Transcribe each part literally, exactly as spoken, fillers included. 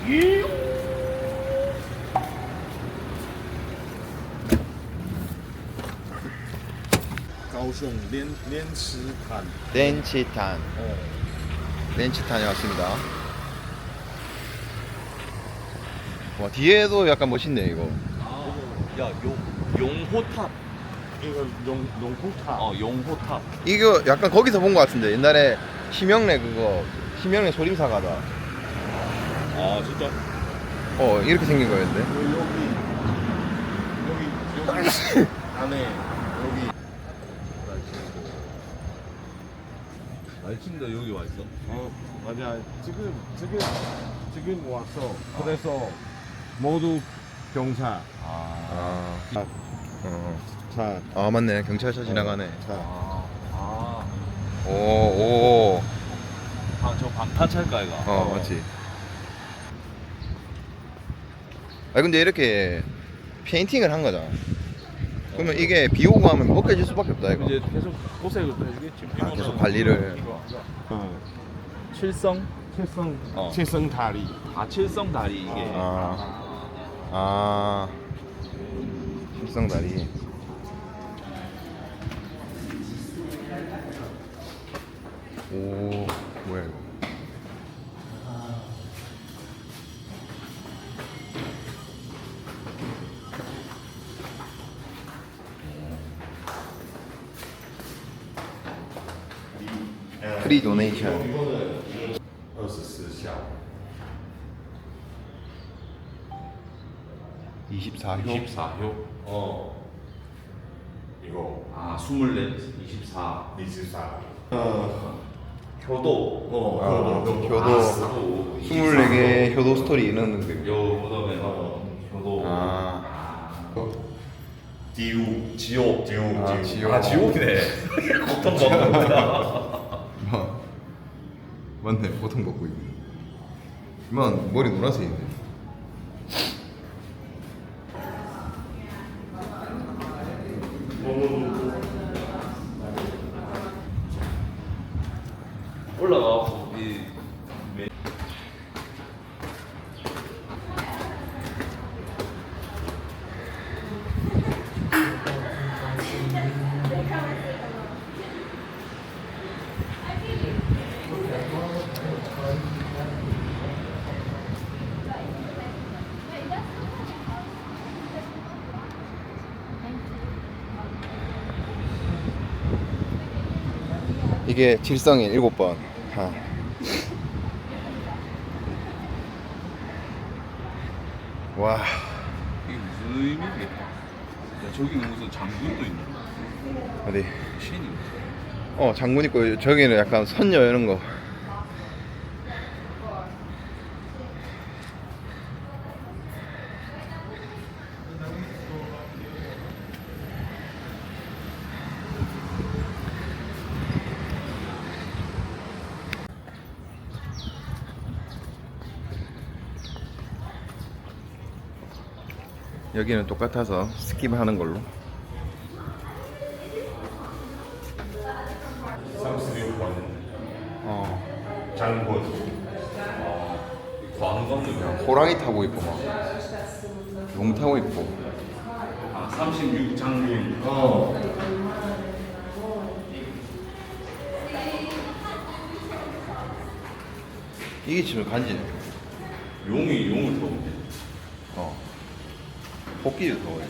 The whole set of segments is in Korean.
가오슝 렌 렌치탄. 렌치탄. 어. 렌치탄에 왔습니다. 와, 뒤에도 약간 멋있네 이거. 아, 야, 용, 용호탑. 이거 용 용호탑. 어, 용호탑. 이거 약간 거기서 본 것 같은데 옛날에 심영래 그거 심영래 소림사 가다. 아, 진짜? 어 이렇게 생긴 거였는데. 여기 여기 여기 안에 여기. 날친다 여기 와 있어. 어 맞아. 지금 지금 지금 왔어. 그래서 모두 경찰. 아, 아, 어. 자, 아 맞네 경찰차 지나가네. 자. 아, 아. 오 오. 방, 저 방탄차일까, 이거? 어 맞지. 아 근데 이렇게 페인팅을 한 거잖아. 그러면 이게 비 오고 하면 벗겨질 수밖에 없다 이거. 이제 계속 고생을 또 해주겠지. 아, 계속 관리를. 어. 칠성? 칠성 어. 칠성 다리. 아, 칠성 다리, 이게. 아, 아, 일성다리. 오, 뭐야 이거? 프리 도네이션. 이십사 샤. 이십사 호. 이십사 호. 어. 이거 아, 이십사, 이십사. 이십사. 어. 효도. 어. 아, 효도. 효도. 스물네 개 효도 스토리 이런 데. 요, 그 다음에, 어, 효도. 아, 지옥. 지옥. 지옥. 아, 지옥. 아, 지옥이네. 고통 먹는구나. 뭐, 맞네 보통 벗고 있고. 이만 머리 노란색인데. 올라가고, 이, 메- 이게 질성인 일곱 번. 아. 와, 이게 무슨 의미지? 야, 저기는 무슨 장군도 있네. 어디? 신이. 어, 장군 있고 저기는 약간 선녀 이런 거. 여기는 똑같아서 스킵하는 걸로. 삼십육 번. 어, 장군. 관광도. 호랑이 타고 있고 막, 용 타고 있고. 아, 삼십육 장군. 어. 이게 지금 간지네. 용이 용을 타고. 어, 복귀를 더워.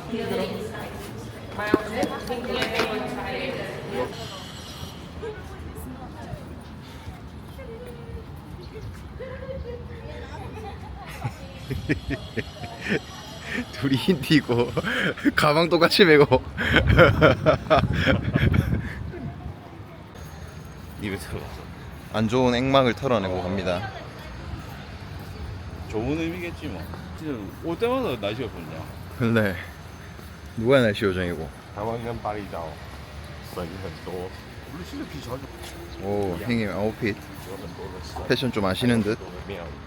둘이 흰 띠고 가방 똑같이 메고. 입에 들어갔어. 안 좋은 액막을 털어내고 갑니다. 좋은 의미겠지 뭐. 진짜 올 때마다 날씨가 좋냐. 근데 누가 날씨 요정이고. 台湾跟巴厘岛省很多， 원래 진짜 비 자주. 오, 형님 아웃핏 有很多的省， 패션 좀 아시는 듯. 很多的庙宇。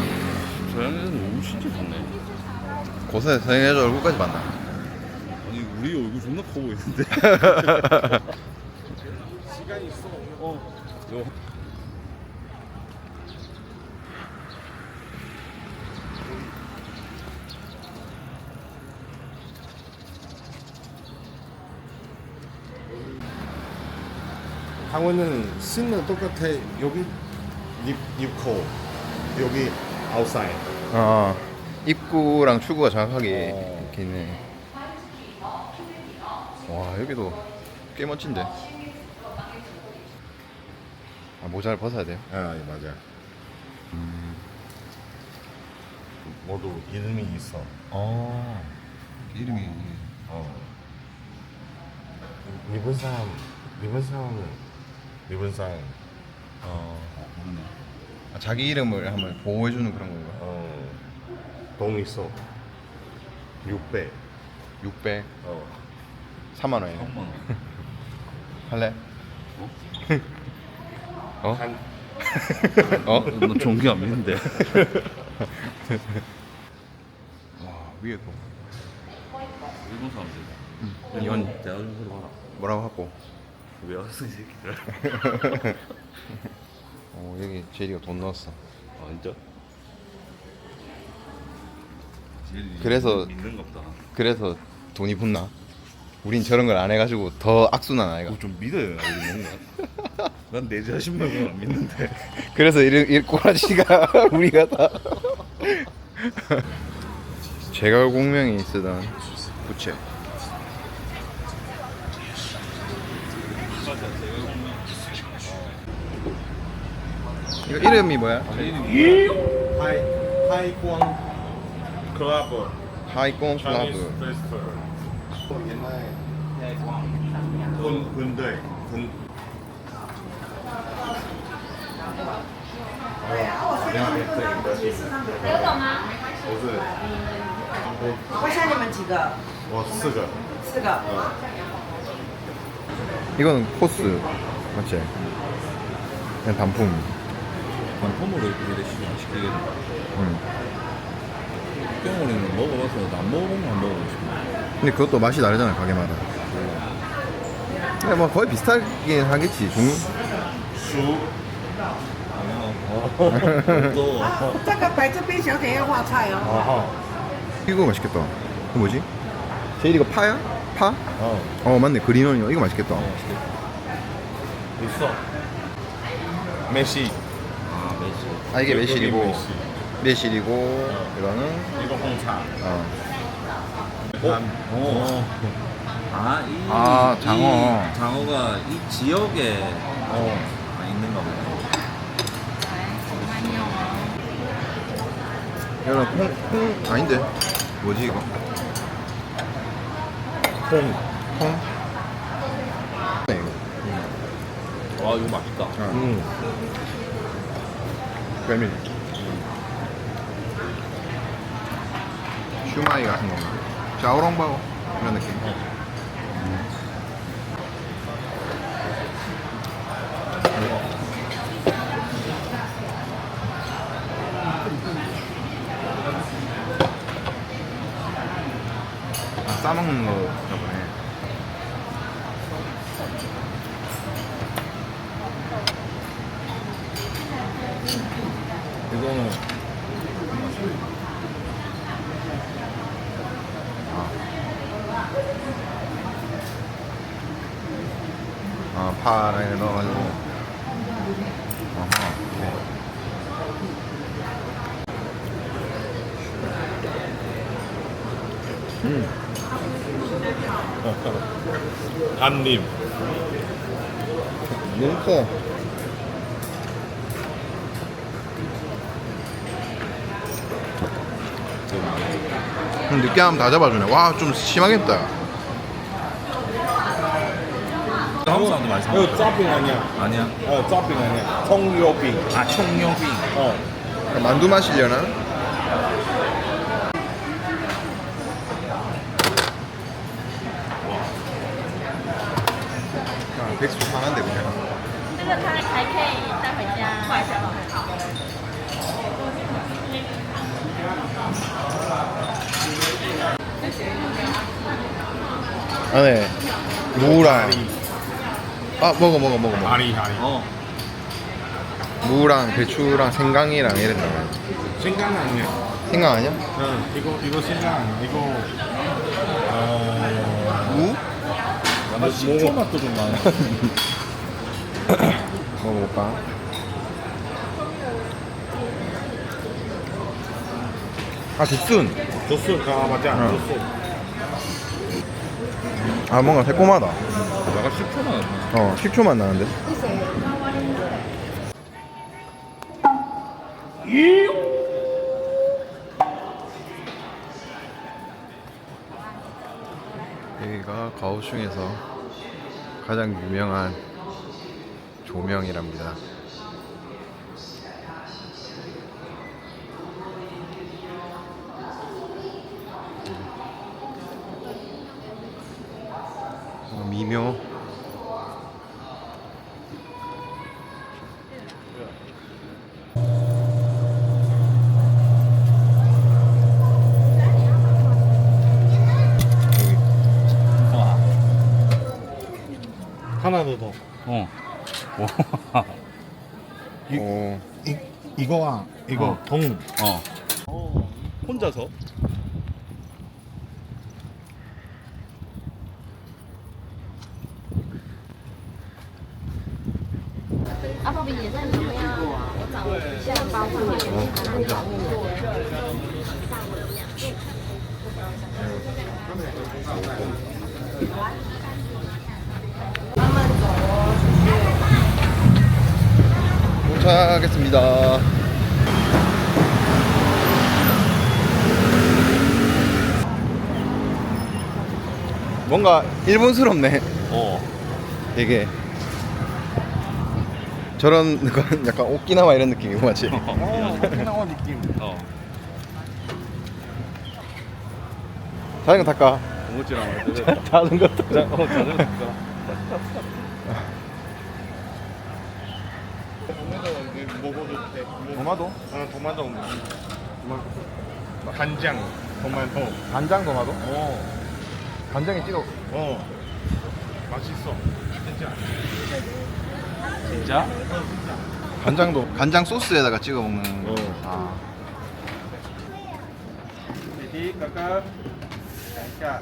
저양에는 너무 진짜 좋네. 고사에 서영여자 얼굴까지 봤나? 아니 우리 얼굴 존나 커 보이는데. 시간이 있어. 어. 요. 강원은 신는 똑같아. 여기 입 입코 여기 아웃사이드. 아 입구랑 출구가 정확하게 어. 이렇게 있네. 와 여기도 꽤 멋진데. 아, 모자를 벗어야 돼요? 아 맞아. 모두 이름이 있어. 어 이름이 어. 일본 사람 일본 사람은 일본 사람 어 아, 자기 이름을 한번 보호해주는 그런 건가? 어. 돈 있어. 육백. 육백 어. 삼만 원에 한번. 할래? 어? 한 어? 너 종교 안 믿는데. 와 위에 또 일본 사람들. 이건 대화 좀 해봐라. 뭐라고 하고? 왜 왔어 이 새끼들? 어 여기 제리가 돈 넣었어. 아 진짜? 그래서- 믿는 겁다. 그래서 돈이 붙나? 우린 저런 걸 안 해가지고 더 악순환 아이가. 뭐 좀 믿어야 우리 뭔가. 난 내 자신 말고는 안 믿는데. 그래서 이, 이 꼬라지가 우리가 다 제갈 공명이 쓰던 부채. 이거 이름이 뭐야? 하이 하이광 클럽 하이공 차이니스 클라브. 페스티벌. 옛날에 군 군대 군我是我想你们几个？ 我四个。 四个。 이거는 코스 맞지? 그냥 단품. 반품으로 이렇게 시키게 된다. 응. 뿅으로는 먹어봐서 안 먹어보면 안 먹어보고 싶어. 근데 그것도 맛이 다르잖아 가게마다. 근데 뭐 거의 비슷하긴 하겠지. 종 熟 또 这个摆这边，小姐要画菜哦。 어허. 이거 맛있겠다. 이거 뭐지? 제일 이거 파야? 파? 어. 어 맞네 그린원이요. 이거 맛있겠다. 있어. 메시. 아 매실. 아 이게 여기 매실이고 메시. 매실이고 이거는 이거 홍차. 어. 어. 아, 이, 아, 장어. 이 장어가 이 지역에 어. 아, 있는가 보네. 이거는 콩, 콩 아닌데 뭐지 이거? 콩. 콩? 네 이거. 와 이거 맛있다. 어. 음. 메밀. 슈마이 같은 건가? 샤오롱바오 이런 느낌. 아, 싸먹는 거나 보네. 이거는 아, 파를 넣어가지고. 어허. 음. 한림. 너무 커. 음, 느끼함 다 잡아주네. 와, 좀 심하겠다. 한국 사람도 많이 사 이거 먹어요. 짜빙 아니야. 아니야. 어, 짜빙 아니야. 통요빙. 아 청룡빙. 어. 만두 마시려나? 아, 백수 상한데 그냥. 这个它还可以带回家。快一下吧。 아, 안에 무랑 아 먹어 먹어 먹어 먹어. 아리 아리. 어. 무랑 배추랑 생강이랑 이런 거. 생강 아니야. 생강 아니야? 응. 이거 이거 생강 아니야. 이거 어. 무? 나 식초 맛도 좀 나네. 먹어볼까? 아 죽순. 조스 아 맞아. 응. 조스. 아 뭔가 새콤하다. 내가 식초 맛. 어 식초 맛 나는데. 여기가 가오슝에서 가장 유명한 조명이랍니다. 어, 미묘. 와. 하나 더. 어. 와. 오. 이 이거와 이거 어. 동. 어. 어. 혼자서? 도착하겠습니다. 뭔가 일본스럽네. 어. 되게 저런 건 약간 오키나와 이런 느낌이고 맞지? 어, 오키나와 느낌. 어. 자전거 탈까? 고무줄랑 말 뜯었다. 자전거 타자. 자, 어, 자전거 탈까? 먹어도 돼. 도마도? 아 도마도. 간장. 도마도. 간장 도마도? 어. 간장에 찍어. 어. 맛있어. 진짜. 진짜? 간장도 간장 소스에다가 찍어 먹는. 어. 아. Jadi kakak kakak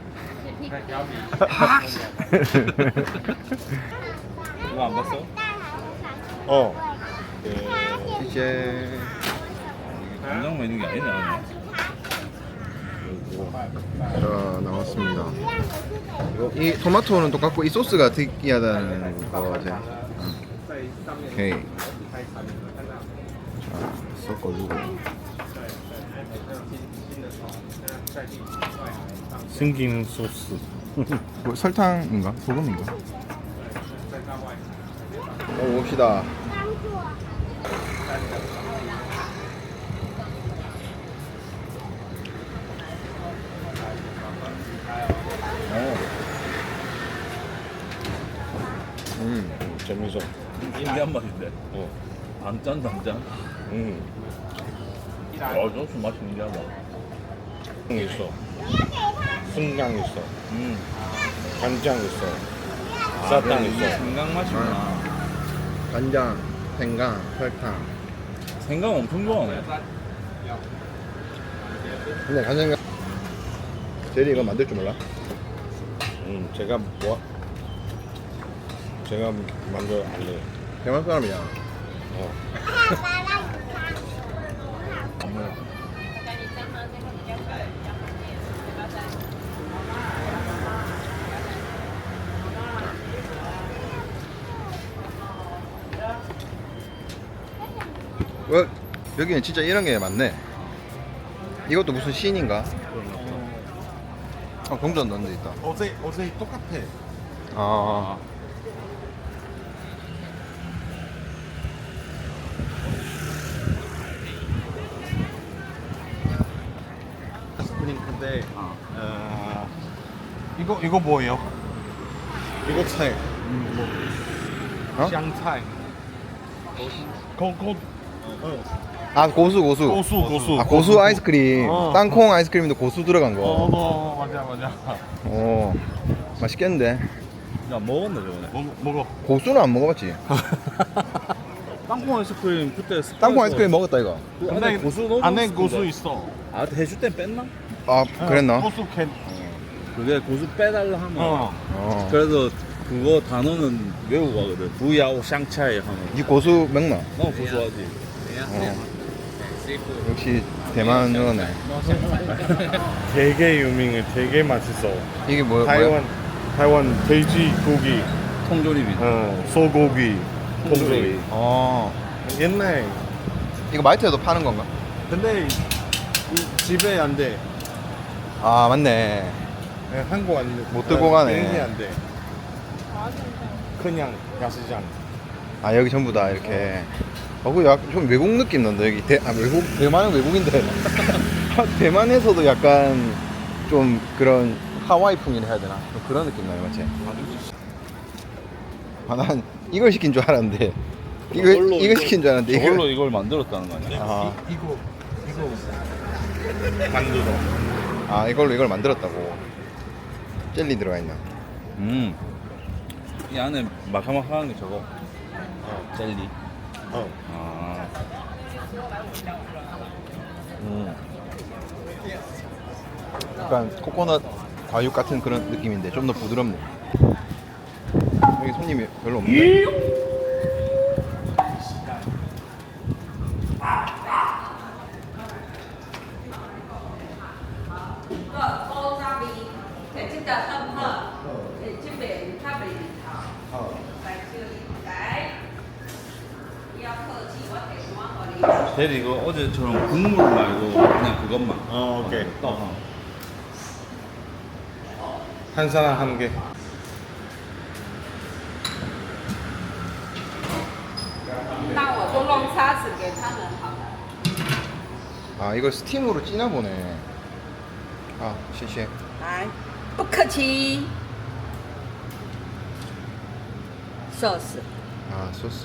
이거 안 봤어? 어. 이제 간장 먹는 게 아니네, 아니. 자 나왔습니다. 이 토마토는 똑같고 이 소스가 특이하다는 거지. 오케이. 자 섞어주고. 생긴 소스. 뭐 설탕인가? 소금인가? 먹어봅시다. 어. 음. 재밌어. 인디안 맛인데. 어. 단짠, 단짠. 음. 어, 소스 맛이 인디안 맛. 있어. 순강 있어. 음. 간장 있어. 아, 사탕 그래, 이게 있어. 생강 맛이구나. 간장, 생강, 설탕. 생강 엄청 좋아하네. 근데 간장 제리 이거 만들 줄 몰라? 음, 제가 뭐 제가 만들 안 해. 대만 사람이야. 어. 어, 여기는 진짜 이런 게 많네. 이것도 무슨 시인인가? 아, 동전 넣는 데 있다. 어제 어제 똑같아. 아, 스프링크인데 어. 어, 이거 이거 뭐예요? 이거 차이. 어? 샹차이. 고, 고, 어. 아 고수 고수. 고수 고수. 아 고수 아이스크림. 어. 땅콩 아이스크림도 고수 들어간 거. 어, 어 맞아 맞아. 오 맛있겠는데. 야 먹었네 저번에. 먹 먹어. 고수는 안 먹어봤지. 땅콩 아이스크림 그때 땅콩 아이스크림 먹었다 이거. 그 안에 고수 넣어. 안에 고수 있어. 아 해줄 땐 뺐나? 아 그랬나? 고수 캔. 그게 고수 빼달라 하면. 어. 어. 그래서 그거 단어는 외우고 가거든. 부야오 샹차이 하면. 니 고수 먹나? 너 고수하지. 어. 역시 대만 여네. 되게 유명해. 되게 맛있어. 이게 뭐 타이완 타이완 돼지고기, 통조림이. 어, 소고기, 통조림. 어. 옛날 이거 마이트에도 파는 건가? 근데 이 집에 안 돼. 아 맞네. 네, 한국 안 돼. 못 들고 가네. 비행기 안 돼. 그냥 야시장. 아 여기 전부 다 이렇게. 어, 그 약간 좀 외국 느낌 난다 여기. 대, 아 외국 대만은 외국인데 대만에서도 약간 좀 그런 하와이풍이라 해야 되나? 좀 그런 느낌 나요, 맞지? 아 난 이걸 시킨 줄 알았는데 이거 저걸로 이거 시킨 줄 알았는데 저걸로 이거. 이걸 만들었다는 거 아니야? 아, 이거 이거 만들어. 아 이걸로 이걸 만들었다고. 젤리 들어가 있나? 음. 이 안에 마카마카한 게 저거. 젤리. 어. 아. 음. 약간 코코넛 과육 같은 그런 느낌인데 좀 더 부드럽네. 여기 손님이 별로 없는데. 대리 이거 어제처럼 국물 말고 그냥 그것만. 어, 오케이. 떡. 한 사람 한 개. 那我就弄叉子给他们好了。 아 이걸 스팀으로 찌나 보네. 아, 谢谢. 来，不客气。sauce， 아 소스.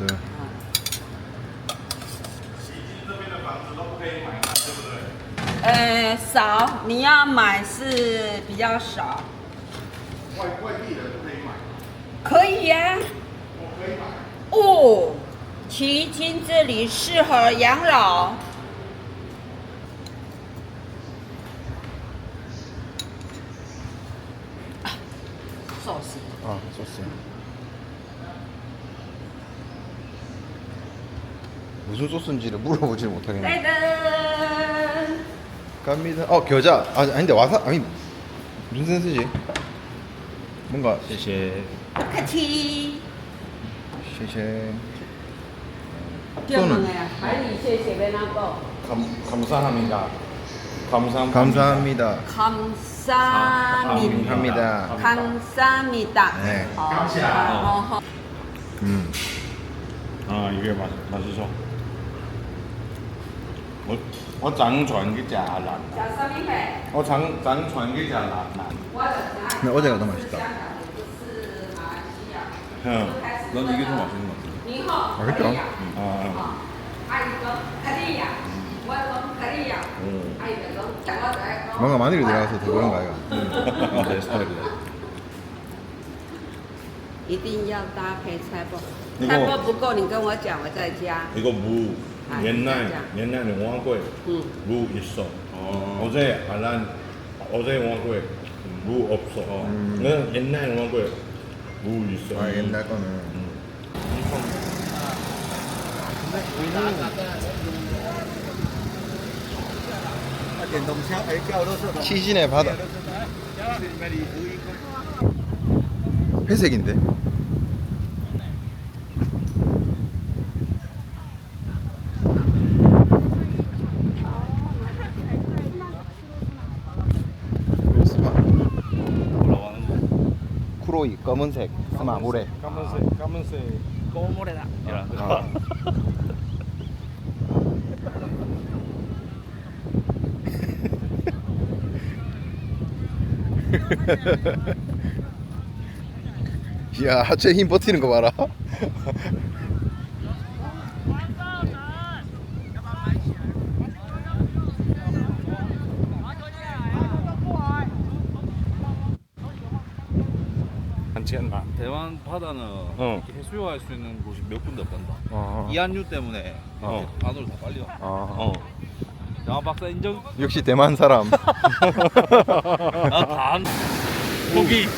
呃，少，你要买是比较少。 外外地人都可以买。 可以呀、 我可以买。 哦，奇经这里适合养老。 sauce， 아 소스. 무슨 소스인지를 물어보질 못하겠네. 来的。 갑니다. 어 겨자. 아 아닌데 와사 아니 무슨 센스지? 뭔가 谢谢。 不客气。 쉐쉐. 叫什么呀？海里蟹写的那个。 감 감사합니다. 감사 감사합니다. 감사합니다. 합니다. 감사합니다. 네. 어, 어, 어. 음. 아 이게 맛 맛있어. 我我辗轉嘅炸腩， 小生命美， 我輾輾轉嘅炸腩腩， 我的家 근데 어제가 더 맛있다. 是马来西亚。 응. 난 이게 더 맛있는 것 같아. 你好， 맛있죠? 啊啊， 阿姨说可以呀，我说可以呀，阿姨说讲我在讲。 뭔가 마늘이 들어가서 더 그런가 이거. 내 스타일이야. 一定要搭配菜包， 이거 菜包不够你跟我讲，我再加。 이거 무 아, 옛날 진짜. 옛날에 왕고에 응. 무 있어. 어. 어제 알란 어제 왕고에 무 없어. 응, 옛날 왕고에 무 있어. 아 옛날 거는. 시신의 바다. 회색인데. 스마. 뭐라고 하는 거? 쿠로이 검은색 스마 모래. 까만색 까만색. 꼬모래다. 이런 거. 아. 야 하체 힘 버티는 거 봐라. 钱嘛。 대만 바다는 어. 이렇게 해수욕할 수 있는 곳이 몇 군데 없단다. 어. 이한류 때문에 어. 안으로 다 빨려. 아. 어. 대만 박사 인정. 역시 대만 사람. 나다 안. 고기.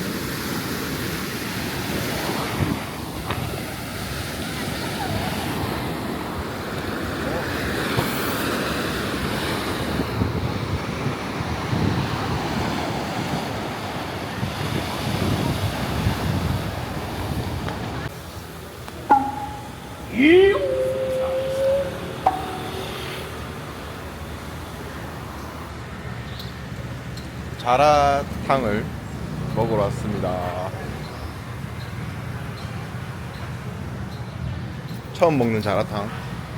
자라탕을 먹으러 왔습니다. 처음 먹는 자라탕.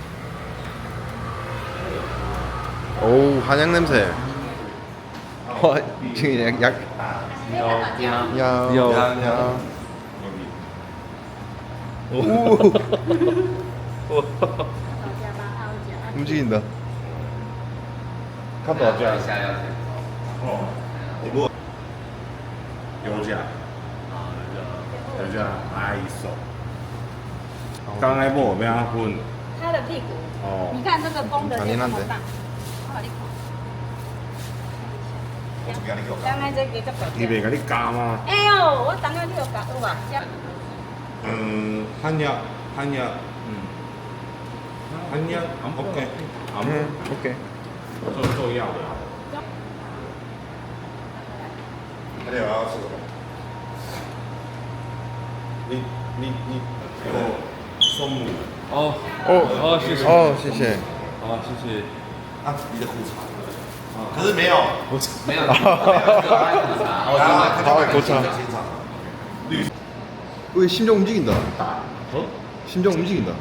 오우, 한약 냄새. 와, 지금 약, 약. 야, 야, 야. 오. 움직인다. 看多少价？哦，不，油价，油价还一手。刚才我们要混它的屁股， 哦你看这个公的就这么大，好你看。刚才这个这个。 你袂甲你加吗？ 哎呦，我当然你有搞有吧？ 嗯，한약 한약嗯，한약 OK， 안 응, 오케이. 做做药的。还有要吃什么？你你你有松母 어. 어, 아, 谢谢. 어, 谢谢. 아, 谢谢. 啊？你的裤衩？可是没有， 没有. 아, 고차. 왜 심장 움직인다. 어? 심장 움직인다.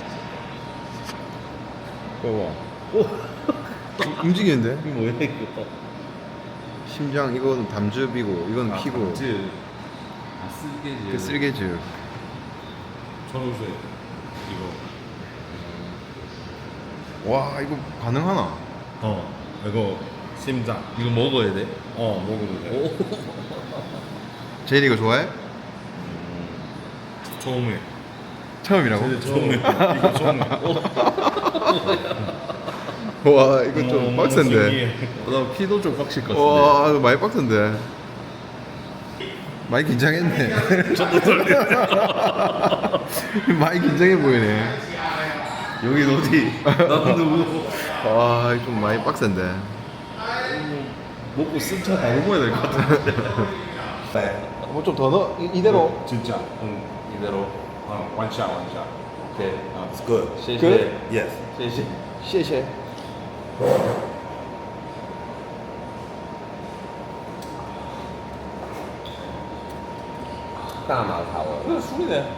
봐봐. 움직이는데? 이거 뭐야 이거? 심장 이건 담즙이고 이건 피고. 지. 아, 쓰리게지. 그 쓰리게즈. 초록색 이거. 와, 이거 가능하나? 어, 이거 심장. 이거 먹어야 돼? 어, 먹어도 돼. 제일 이거 좋아해? 처음에. 처음이라고? 처음에. 이거 처음에. 와, 이거 좀 너무 빡센데. 신기해. 나 피도 좀 빡칠 것 같은데. 와, 이거 많이 빡센데. 많이 긴장했네. 저도 떨려. 많이 긴장해 보이네. 여긴 어디? 나는 누구? 와, 이거 좀 많이 빡센데. 먹고 쓴 차 바로 먹어야 될 것 같은데. 네. 뭐 좀 더 넣어? 이, 이대로? 진짜. 응. 이대로. 어, 원샷 원샷. 오케이. 어, it's good. 谢谢. Good? Yes. 谢谢. 谢谢. 이거 술이네.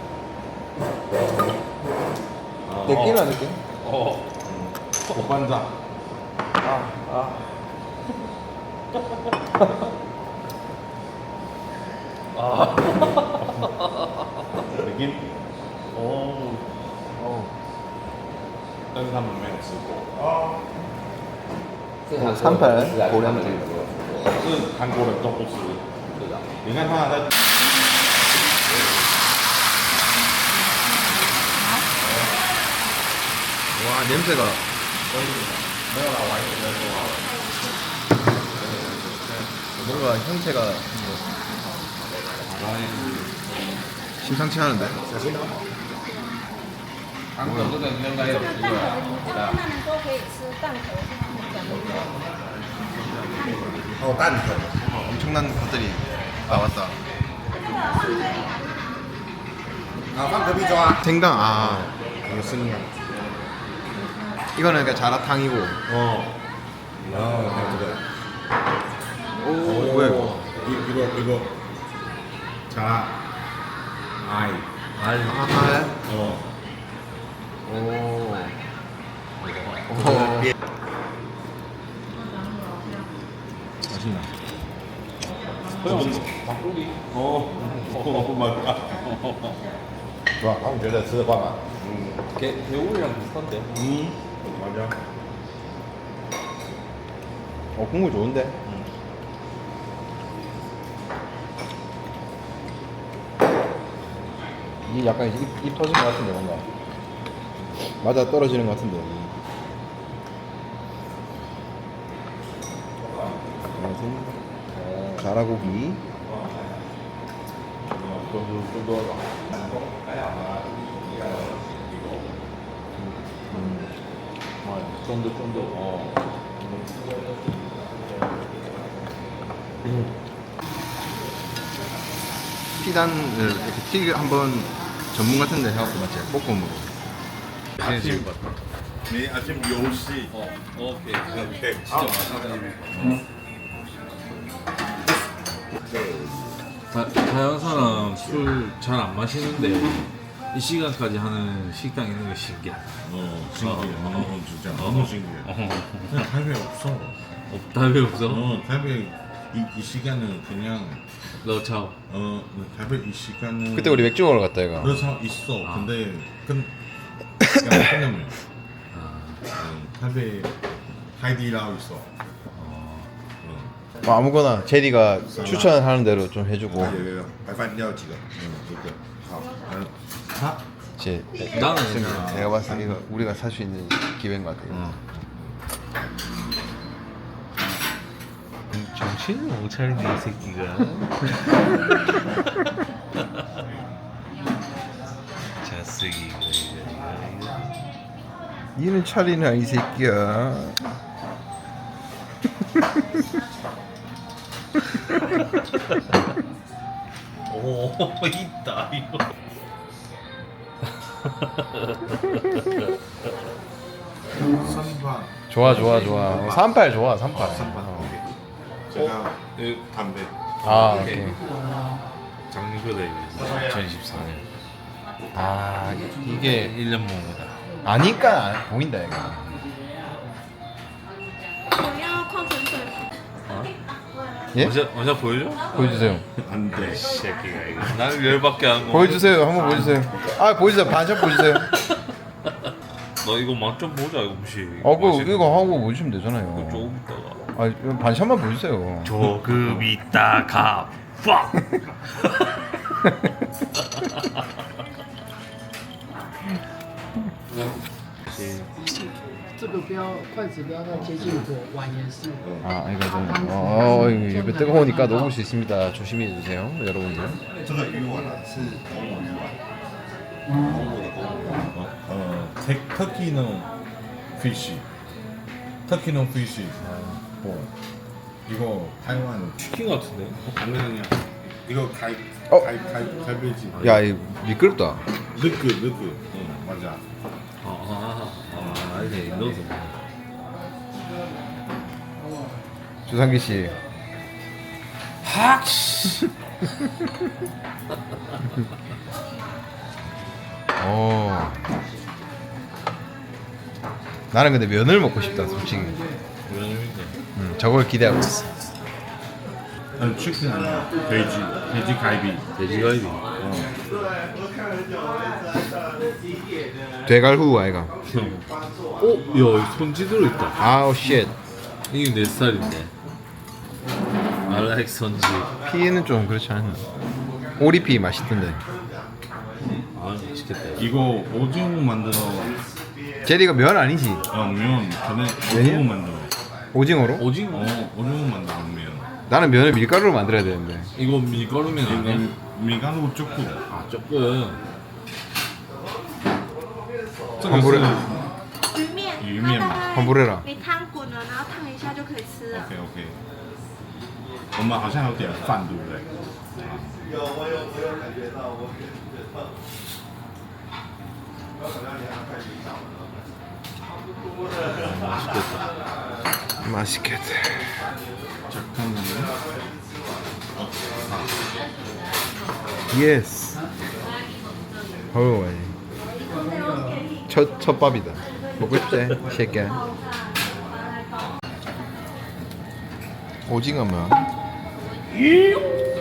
느낌이야, 느낌? 어. 오반장. 아, 아. 아. 느낌? 오. 어. 但是他们没有吃过。 삼팔 고량주. 是韩国人都不吃。是的。你看他在。 와, 냄새가. 뭔가 형태가 심상치 않은데? 한국这个应该有吃过。 他们说可以吃蛋壳，是他们讲的。 哦，蛋粉。 엄청난 것들이 나왔다. 아, 放隔壁桌啊。 생강, 아. 이거 생강. 이거는 그러니까 자라탕이고. 어. 아, 그래. 오, 뭐야 이거? 이, 이거 이거. 자. 아이. 알. 아, 어. 오. 오. 맛있나? 닭고기. 어. 어, 맞다. 좋아, 방금觉得吃的惯吗？ 개 개울이랑 비슷한데. 음. 맞아. 어, 국물 좋은데? 이 약간 입, 입 터진 것 같은데 뭔가 맞아 떨어지는 것 같은데. 가라고기. 쫀득쫀득. 어. 피단을 이렇게 튀기 한번 전문 같은데 해갖고 맞지? 볶음으로. 아침 네 아침 열 시. 어. 오케이. 오케이. 진짜 맛있네. 다, 다양한 사람 술 잘 안 마시는데 이 시간까지 하는 식당 있는 게 신기해. 어 신기해. 어, 어, 진짜 너무 신기해. 그냥 타이베이 없어. 없다 왜 없어? 어 타이베이 이, 이 시간은 그냥 너 차. 어 타이베이 이 시간은 그때 우리 맥주 먹으러 갔다 이거. 그래서 있어. 아. 근데 근 그냥 끝나면 아. 타이베이 하이디라고 있어. 뭐 아무거나 제리가 추천하는 대로 좀 해주고. 有有有，白饭要几个？嗯，一个。好，嗯，好。 제 나는 지금 내가 봤을 때 이거 우리가 살 수 있는 기회인 것 같아요. 어. 정신을 못 차리네 이 새끼가. 자쓰기 이거 이거. 이는 차리나 이 새끼야. 오 있다 이거. 삼바. 좋아 좋아 좋아. 어, 삼팔 좋아 삼팔. 삼바. 어. 오케이. 제가 담배. 아 오케이. 작년보다 이거 이천이십사 년. 아 이게 일 년 먹은 거다. 아니까 보인다 이거. 我要矿泉水。 예? 원샷 원샷 보여줘? 보여주세요. 안 돼. 새끼가 이거. 나는 열받게 한 거. 보여주세요. 한번 보여주세요. 아 보여주세요. 반샷 보여주세요. 너 이거 맛 좀 보자 이거 무시. 어, 그 맛있는 이거 거. 하고 보여주시면 되잖아요. 조금 있다가. 아, 이거 반샷만 보여주세요. 조금 있다가 팍. 这个不要筷子不要太接近火，碗也是。 아, 이거 좀, 어, 어, 이거 입에 뜨거우니까 녹을 수 있습니다. 조심히 해주세요, 여러분들. 这个鱼丸是公母鱼丸。公母的公母。어, 어, 테, 터키는 피쉬. 터키는 피쉬. 어. 이거 타이완 치킨 같은데? 아니야. 이거 가이 어? 가이 가이 갈비지. 야, 이 미끄럽다. 느끼 느끼. 응 맞아. 아, 아, 아, 아니 넣어서. 주상기 씨. 학 씨. 어. 나는 근데 면을 먹고 싶다, 솔직히. 면인데. 음, 저걸 기대하고 있어. 아니 치킨 아니야. 돼지 돼지 갈비. 돼지갈비. 어. 돼갈후 아이가. 형. 어, 야, 손지 들어 있다. 아우 쉣. 이게 내 스타일인데. I like 손지. 피는 좀 그렇지 않나. 오리피 맛있던데. 아, 맛있겠다. 이거 오징어 만들어. 제리가 면 아니지? 어면 전에 면이야? 오징어 만들어. 오징어로? 오징어? 어 오징어 만들어 면. 나는 면을 밀가루로 만들어야 되는데. 이거 밀가루면 아니야? 이거 미간으로 조금. 아, 조금. 환불해. 鱼面， 鱼面嘛它大概 환불해라. 你汤滚了，然后烫一下就可以吃了。 OK OK。我们好像有点饭，对不对？ 맛있겠다. 잠깐만요. 예스. 어우, 첫, 첫 밥이다. 먹고 싶지? 새끼야. 오징어면.